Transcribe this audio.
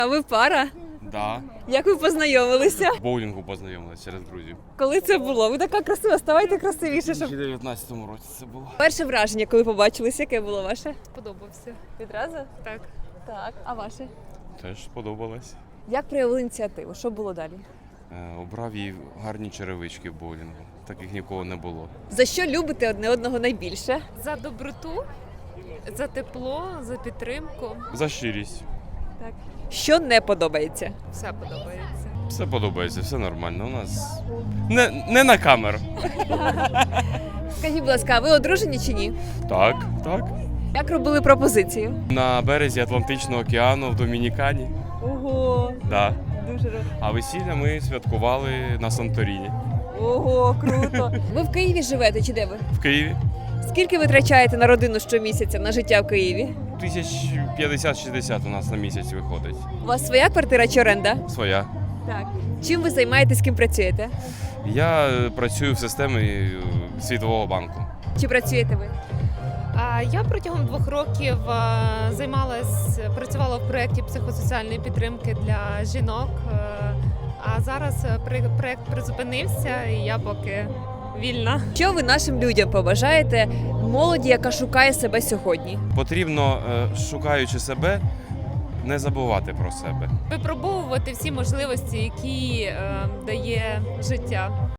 А ви пара? Да. Як ви познайомилися? В боулінгу познайомилися через друзів. Коли це було? Ви така красива, ставайте красивіше, У щоб... 2019 році це було. Перше враження, коли побачилися, яке було ваше? Сподобався. Відразу? Так. Так. А ваше? Теж сподобалось. Як проявили ініціативу? Що було далі? Обрав їй гарні черевички в боулінгу. Таких нікого не було. За що любите одне одного найбільше? За доброту, за тепло, за підтримку. За щирість. Так. Що не подобається? Все подобається. Все подобається, все нормально. У нас не на камеру. Скажіть, будь ласка, а ви одружені чи ні? Так, так. Як робили пропозицію? На березі Атлантичного океану в Домінікані. Ого, Да. дуже А весілля ми святкували на Санторіні. Ого, круто. Ви в Києві живете чи де ви? В Києві. Скільки ви витрачаєте на родину щомісяця, на життя в Києві? 1050-60 у нас на місяць виходить. У вас своя квартира чи оренда? Своя. Так. Чим ви займаєтесь, з ким працюєте? Я працюю в системі Світового банку. Чи працюєте ви? Я протягом 2 років працювала в проєкті психосоціальної підтримки для жінок. А зараз проєкт призупинився і я поки вільна. Що ви нашим людям побажаєте молоді, яка шукає себе сьогодні? Потрібно, шукаючи себе, не забувати про себе. Випробовувати всі можливості, які дає життя.